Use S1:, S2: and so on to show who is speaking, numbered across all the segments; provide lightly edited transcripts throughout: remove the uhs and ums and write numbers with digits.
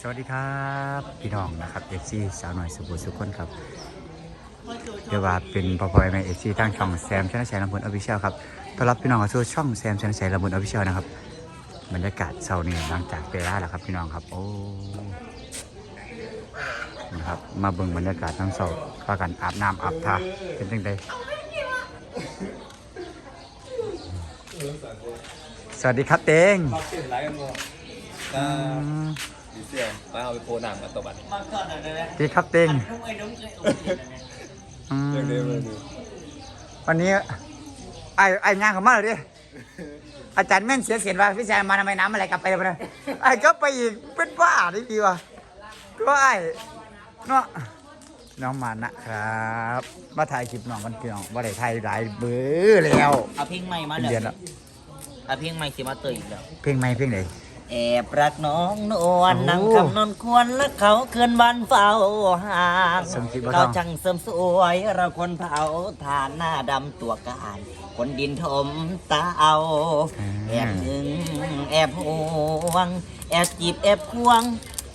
S1: สวัสดีครับพี่น้องนะครับเอฟซีสาวหน่อยสุบุสุคนครับเรียกว่าเป็นพอพอยในเอฟซีตั้งช่องแซมชนะชัยลำพูนออฟฟิเชียลครับต้อนรับพี่น้องเข้าสู่ช่องแซมชนะชัยลำพูนออฟฟิเชียลนะครับบรรยากาศเช้านี้หลังจากเวลาแล้วครับพี่น้องครับโอ้นะครับมาเบิ่งบรรยากาศทั้งเช้าพากันอาบน้ำอาบท่าเป็นจังไดสวัสดีครับเต็ง
S2: ดีเซียมมาเอาไปโพหนังกันตัวบัตร
S1: ดีครับเต็ง
S2: เรื่องเดิมเลย
S1: วันนี้ไอ้งานของมาเลยดิอาจารย์แม่นเสียเสียนว่าพี่ชายมาทำไมน้ำอะไรกลับไปเลยนะไอ้ก็ไปอีกเป็นบ้าดิพี่วะก็ไอ้เนาะน้องมานะครับมาถ่ายคลิปน้องกันพี่น้องว่าได้ถ่ายหลายเบื่อแล้ว
S3: เอาเพลงใหม่มา
S1: เป็นเดือน
S3: แล้
S1: แล้ว ว
S3: เอาเพลงใหม่สิมาเตยอีกแล้ว
S1: เพลงใหม่เพลงไหน
S3: แอบรักน้องนวลนั่งคำนอนควรและเขาเกินวันเฝ้าห่างเราช่างเสริมสวยเราคนเผาทานหน้าดำตัวกายคนดินถมตาเอาแอบหึงแอบห่วงแอบจีบแอบควง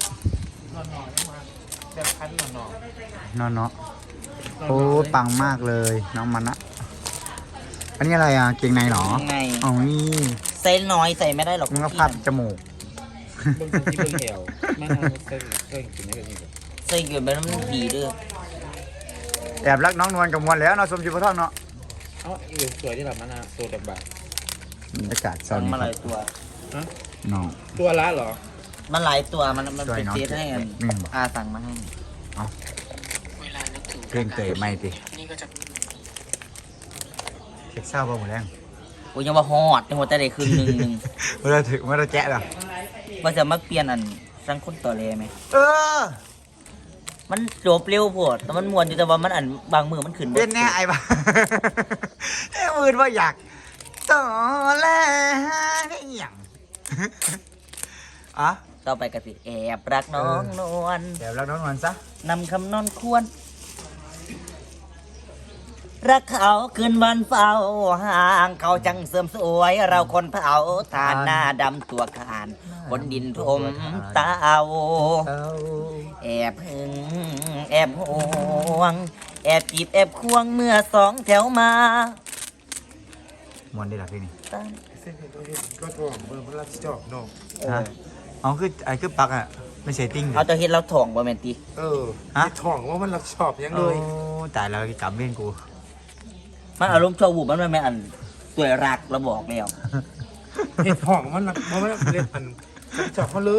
S1: เนาะเนาะโอ้ปังมากเลยน้องมันนะอันนี้อะไรอ่ะเกงในเหรอ
S3: ไง
S1: อ๋อนี่
S3: ใส่น้อยใส่ไม่ได้หรอก
S1: มันก็พับจมูก
S2: เบิ่งที่เบิ่งแถวมาทำเส้นกินได้กันนี่
S3: ใส่เกินไปแล้วมันดีด้วย
S1: แอบรักน้องนวลกับมวลแล้วเนาะสมจิตพระทองเนาะ
S2: เอ้าอีกสวยที่แบบมันตัวแบบ
S1: บรรยากาศเช้า
S3: สั่ง
S1: นี้
S3: มา
S1: ค
S3: ห
S1: รับ
S3: ลายตัว
S2: ฮะ
S1: น้อง
S2: ตัวละเหรอ
S3: มันหลายตัวมัน
S1: ช่วย
S3: เป็น
S1: น้อง
S3: เซตให้กัน
S1: หนึ่งบาท
S3: อาสั่งมาให้
S1: เพลงเตะไม่ติเช็คเศร้าป่ะหมดแรง
S3: กูยังว่าฮอดในหัวใจได้คืนหนึ่ง
S1: เมื่อถึงเมื่อแจ๊ะเหรอ
S3: ว่าจะมาเปลี่ยนอันสังคนต่อเลยไหม
S1: เออ
S3: มันจบเร็วโพดแต่มันมวนอยู่แต่ว่ามันอันบางมือมันขึ้น
S1: เป็นแน่ไอ้บ้าไอ้มือว่าอยากต่อแล้วไม่อย่างอ่ะ
S3: ต่อไปกสิแอบรักน้องนวล
S1: เดี๋ยวรักน้องนวลซะ
S3: นำคำนอนควร รักเขาคืนวันเฝ้าห่างเขาจังเสริมสวย เราคนเผาทานหน้าดำตัวขานบนดินทมตาเอา
S1: เอา
S3: แอบหึงแอบห่วง แอบจีบแอบควงเมื่อสองแถวมาม
S1: วนได้หรอพี่นี่
S3: ตั้ง
S2: เส้นก็ทองเบอร์พระราชจอบนอก
S1: ฮะอ๋อคือไอ้คือปักอ่ะไม่ใช่ติ้ง
S3: เอาตัวเฮ็ดเราถ่องบ่แม่นติ
S2: ฮะทองว่ามันรักชอบยัง
S1: โอ้
S2: เลย
S1: ตายแล้วกำเล่นกู
S3: มันอารมณ์ชั่ววูบมันไม่แม่นอันตัวยรักเราบอกแล้ว
S2: เห็ดทองมันรักมันเล่นมันจับมาเลย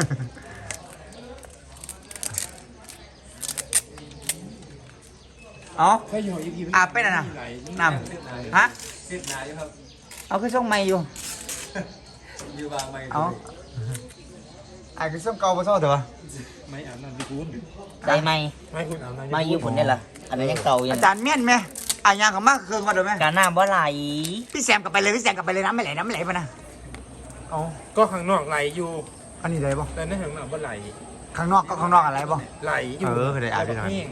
S1: อ๋อ
S2: แค่หยอดอีก
S1: อาบไปน่ะนะน้ำฮะ
S2: เส้นนายครับ
S1: เอาคือส่งไม่อยู่
S2: อยู่บางไม่
S1: เอาไอ้คือส่งเก่ามาซ่อเถอะวะ
S2: ไม่อาบน้ำพี่คุณ
S3: ได้ไหม
S2: ไม่คุณอาบน้ำ
S3: มาอยู่ผลได้ล่ะอันนั้นยังเก่าอยู่
S1: อาจารย์เมียนไหมอ่ะยางของมากเครื่องมาดูไหม
S3: การน้ำบ่ไหล
S1: พี่แซมกลับไปเลยพี่แซมกลับไปเลยน้ำไม่ไหลน้ำไม่ไหลปะนะเอา
S2: ก็ข้างนอกไหลอยู่
S1: อันนี้ไหลป่ะ
S2: แต่ในข้างนอกบ่ไหล
S1: ข้างนอกก็ข้างนอกอะไรป่ะ
S2: ไหลอยู่
S1: เออเคยได้อ่านพี่หน่อย
S2: แห้ง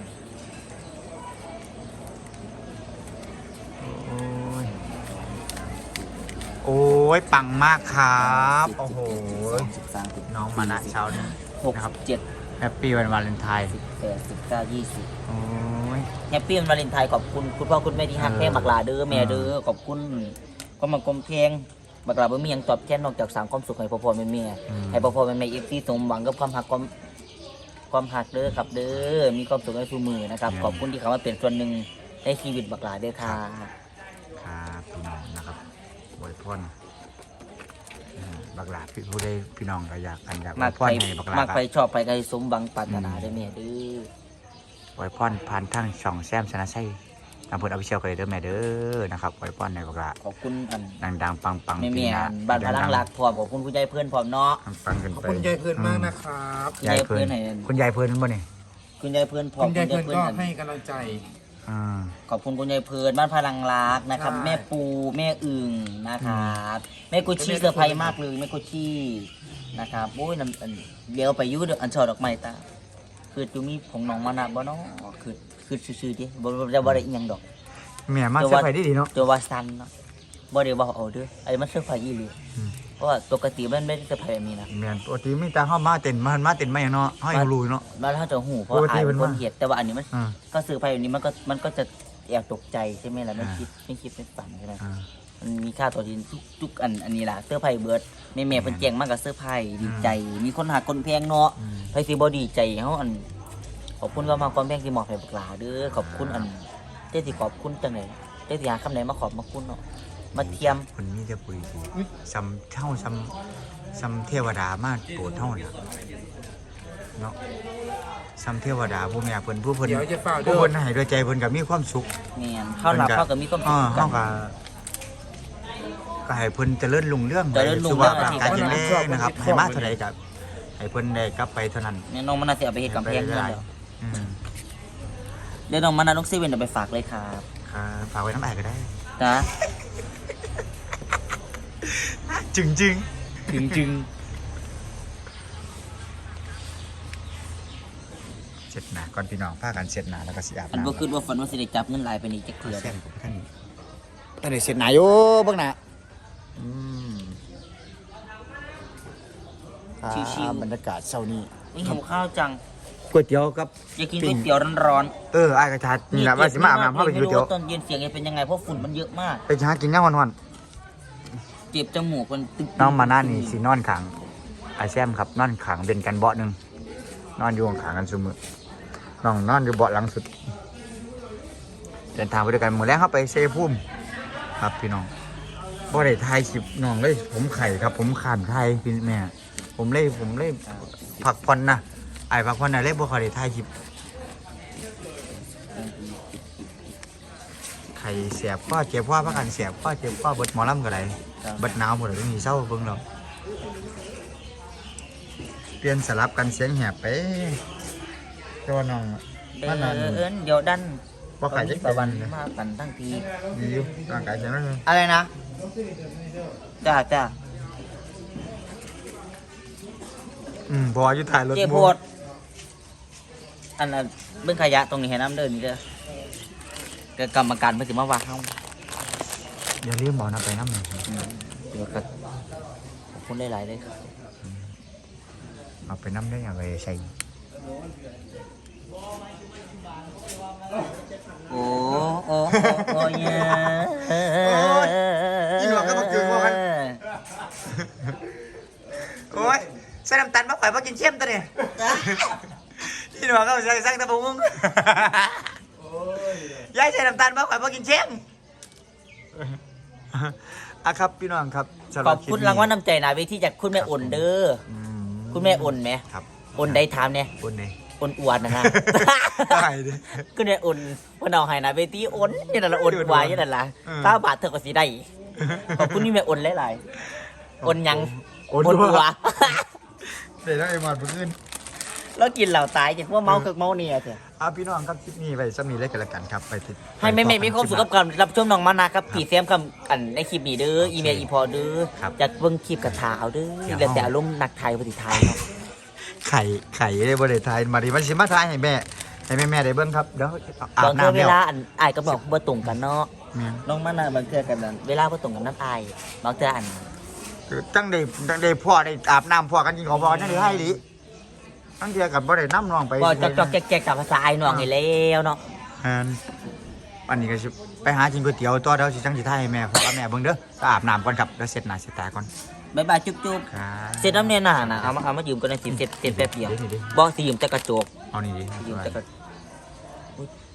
S1: โอ้ยปังมากครับโอ้โห
S3: 13 14
S1: น้องมานะเช้านี้
S3: 15 16
S1: แฮปปี้วันวาเลนไทน์
S3: 17 18 19 20
S1: โอ้ย
S3: แฮปปี้วันวาเลนไทน์ขอบคุณคุณพ่อคุณแม่ที่ฮักแม่บักหลาเด้อแม่เด้อขอบคุณก็มากลมเพลงบักหลาบ่มีหยังตอบแทนนอกจากสร้างความสุขให้พ่อๆแม่ๆให้พ่อๆแม่ๆ FC สมหวังกับความฮักความฮักเด้อครับเด้อมีความสุขในทุกมือนะครับขอบคุณที่เขามาเป็นส่วนหนึ่งในชีวิตบักหลาเด้อค่ะ
S1: ครับพี่น้องนะครับอวยพรบักหลาพี่ผู้ใดพี่น้องก็อยากกันอยากอ
S3: มา
S1: วยพ
S3: ไป
S1: รให้บักหลา
S3: มา
S1: ครับ
S3: ไปชอบไปก็ให้สมหวังปรารถนาได้อแม่เด้อ
S1: อวยพรผ่านทางช่องแซมชนะชัยทางพูดอภิเชียกันเลยเด้อแม่เด้อนะครับอวยพรในบักหลา
S3: ขอบคุณอัน
S1: ดังๆปังๆ
S3: แม่
S1: ปี
S3: เมีย
S1: หน้า
S3: บ้านพลังรักพร้อมขอบคุณผู้ใหญ่เพื่อนพร้อมเนาะ
S1: ปังๆกัน
S2: ขอบ
S1: ไป
S2: คุณยายเพื่อนมากนะครับ
S1: ยายเพื่อน
S3: ไหน
S1: คุณยายเพื่อนนั่นบ่เนี่ย
S3: คุณยายเพื่อนพร้อม
S2: คุณยายเพื่อนก็
S3: อัน
S2: ให้กำลังใจ
S1: อ่า
S3: ขอบคุณคุณยายเพื่อนบ้านพลังรักนะครับ
S2: ใช่
S3: แม่ปูแม่อึ่งนะครับแม่กุชชี่เซอร์ไพรส์มากเลยแม่กุชชี่นะครับโอ้ยนั่นอันเดี๋ยวไปอยุ่เด้ออันช่อดอกไม้ตาคือจูมีผงน้องมานะบ่เนาะคือซื่อๆดิบ่ได้อีหยังดอก
S1: แม่มาเซอร์ไพรส์ดีๆเนาะ
S3: ตัววาซันเนาะบ่ได้บอกเอาเด้อไอ้มันเซอร์ไพรส์อีหลีเพราะว่าปกติมันไม่ได้เซอร์ไพรส์แบบนี้นะ
S1: แม่นปกติมีแต่เฮามาเต้นมาเต้นมาหยังเนาะเฮายังรู้เนาะ
S3: บ้านเขาจะหูเพราะ
S1: ปกติ
S3: อาย
S1: มั
S3: เป็น น
S1: ว่า
S3: คนเห็ดแต่ว่าอันนี้มัน
S1: อ่า
S3: ก็ซื้อไปแบบนี้มันก็จะแอบตกใจใช่ไหมล่ะไม่คิดไม่ฝันใช่ไหม
S1: อ่า
S3: มันมีค่าตัวทีทุกอันนี้ล่ะเสื้อร์ไผ่เบิร์ดแม่เพิ่นแจ้งมากกับเสื้อร์ไผ่ดีใจ มีคนหาคนแพงเนาะไผสิบ่ดีใจเฮาอันขอบคุณว่ามาความแพงที่หมอบให้บักหลาเด้อขอบคุณอันเจ้าสิขอบคุณจังได๋เจ้าสิหาคำไหนมาขอบมาคุณเนาะมาเทียม
S1: คนมีแต่ปุ๋ยดีซ้ำเท่าซ้ำเทวดามาโปรดเท่าน่ะเนาะซ้ำเทวดาผู้แม่เพิ่นผู้เพิ่น
S2: เดี๋ยวจะเฝ้าเด้
S1: ผู้
S2: อ
S1: เพิ่นให้ด้วยใจเพิ่นก็มีความสุข
S3: แม่นเข้าหลับเข้าก็มีความสุขกั
S1: เฮาน ก็ให้เพิ่นเจริญรุ่งเรื่อง
S3: เจริญรุ่ง
S1: สุ
S3: เรื่
S1: ข
S3: อง
S1: ภาพร่างกายแข็งแรงนะครับให้มาเท่าใดก็ให้เพิ่นได้กลับไปเท่านั้น
S3: แม่น้องมันน่าสิเอาไปเฮ็ดกำแพงเพิ่นแล้ว
S1: อืม
S3: เดี๋ยวน้องมันน่ะน้องเซเว่นเอาไปฝากเลยครับ
S1: ครับฝากไว้น้ำแอร์ก็ได้
S3: จ้ะ
S1: จึง
S3: จึง
S1: เสร็จหนาก่อนพี่น้องพากันเสร็จหนาแล้วก็สิอาบ
S3: อัน
S1: น้ำ
S3: บ่คิดว่าฝันว่าสิได้จับเงินหลายไปนี่จักเทื่อ
S1: แซมกับท่านตอนนี้เสร็จหนาอยู่เบิ่งหน้าอืมบรรยากาศเช้านี้
S3: นี่หิวข้าวจัง
S1: ก๋วยเตี๋ยวกับ
S3: อยากกินก๋วยเตี๋ยวร้อน
S1: อ้ายกระชา
S3: ๆ
S1: นี่แหละว่าสิมาอาบน้ำเข้าไปกินก๋วยเตี๋ยว
S3: ม่รู้าตอนเย็นเสียงจะเป็นยังไงเพราะฝุ่นมันเยอะมาก
S1: ไปหากินย่างวัน
S3: เจ็บจมูกมันตึก
S1: ๆน้องมาหน้านี่สินอนขังไอแซมครับนอนขังเป็นกันเบาะหนึ่งนอนอยู่ขังกันซุมือน้องนอนอยู่เบาะหลังสุดเดินทางไปด้วยกันหมดแล้วครับไปเซพุ่มครับพี่น้องบ่ได้ทายคลิปน้องเลยผมไข่ครับ ผมขานไทยพี่แม่ผมเลยผักผ่อนนะไอ้ผักผ่อนนะเลยบ่ค่อยได้ทายคลิปไข่เสียบพ่อเจ็บพ่อพักกันเสียบพ่อเจ็บพ่อเบิดหมอลำก็ได้เบิดหนาวหมดเลยมีเศร้าเบิ่งเราเปลี่ยนสลับกันเสียงแหบไปเจ้าน้อง
S3: เดิ
S1: มันนั่น
S3: นเดี๋ยวดัน
S1: บ่ไข่จักตะวันเลย
S3: มากันทั้งที
S1: ดีอยู่ร่างกายแข็งแรง
S3: อะไรนะจ้า
S1: พออยู่ถ่ายรถ
S3: เจ็บปวดอันนั้นเบิ่งขยะตรงนี้ให้น้ำเดินนี่เด้อก็กรรมการเพิ่นสิมาว่าเฮา
S1: อย่าลืมบอกนะไปน้ำหนึ่ง
S3: เดี๋ยวก็ขอบคุณหลายๆเลยครับ
S1: เอาไปน้ำได้อย่างไรใส่
S3: โอ้ย
S1: อีหลวงก็มาเกินว่ากันโอ้ยใส่น้ำตาลมาข่อยมากินเค็มตัวเนี่ยอีหลวงก็ใส่สั่งตะบุงยายใส่น้ำตาลมาข่อยมากินเค็มอะครับพี่น้องครับสำห
S3: ข
S1: รั
S3: อบ
S1: ลิป
S3: คุณ
S1: นี้
S3: รางวัลน้ำใจนาเวทีจากคุณแม่อุ่นเด้อ
S1: อืม
S3: คุณแม่อุ่นไหม
S1: ครับ
S3: อุ่นได้ถามเนี่ย
S1: อุ่นเลย
S3: อุ่นอวดนะฮะ
S1: ได้ดิ
S3: คุณแม่อุ่นเพิ่นเอาให้นาเวทีอุ่นนี่นั่นละอุ่นวายนี่นั่นล่ะ
S1: อืม
S3: 9 บาทเธอก็สิได้ขอบคุณนี่แม่อุ่นหลายๆอุ่นยัง
S1: อุ่น
S3: อุ่น
S1: หั
S3: หั
S1: ว
S3: ว
S1: เดี๋ยวต้องไอ้หมอดเพื่อน
S3: แล้วกินเหล่าตายจากพวกเมาคึกเมาเนี่ยเถอะ
S1: เอาพี่น้องครับคลิปนี้ไปจะมีเล็กกันละกันครับไปติด
S3: ให้แม่ๆมีความสุขกับการรับชมน้องมานะครับผีเสียมคำอันในคลิปนี้เด้ออีเมลอีพอเด้อ
S1: ครับ
S3: จากเบิ่งคลิปกับทาเอาเด้อ
S1: เดี๋ยว
S3: แล้วแต่อารมณ์นักไทยปฏิไทยครับ
S1: ไข่ได้บริไทยมาดีมันสิมาทายให้แม่ได้เบิ้งครับเดี๋ยวอา
S3: บา
S1: บ
S3: งเทื่อ
S1: น้ำ
S3: เว
S1: แล้ว
S3: ลาอันอายก็บอกบ่ตรงกันเนาะ
S1: แม่น
S3: น้องมานะบางเทื่อกันนั้นเวลาบ่ตรงกันน้ำอายบางเทื่ออัน
S1: คือตั้งได้พ่อได้อาบน้ำพ่อกันกินของพ่อนั่นเลยให้ดิตั้งเดียวกับบ่ได้น้ำนองไป
S3: บ่จอกๆแจกๆกับภาษาไอ้น้องให้แล้วเนาะ
S1: อันนี้ก็สิไปหากินก๋วยเตี๋ยวตัวเดี๋ยวสิจังสิทายให้แม่พ่อกับแม่เบิ่งเด้อก็อาบน้ำก่อนครับแล้วเสร็จหน้าเสร็จตาก่อน
S3: บ๊ายบายจุ๊บ
S1: ครับ
S3: ๆเสร็จน้ำเนี่ยน่ะนะเอามายืมกันในสิเสร็จแป๊บเดียว
S1: เดี๋ยว
S3: บ่สิยืมแต่กระจก
S1: เอานี่ดิ
S3: ยืมแต่กระ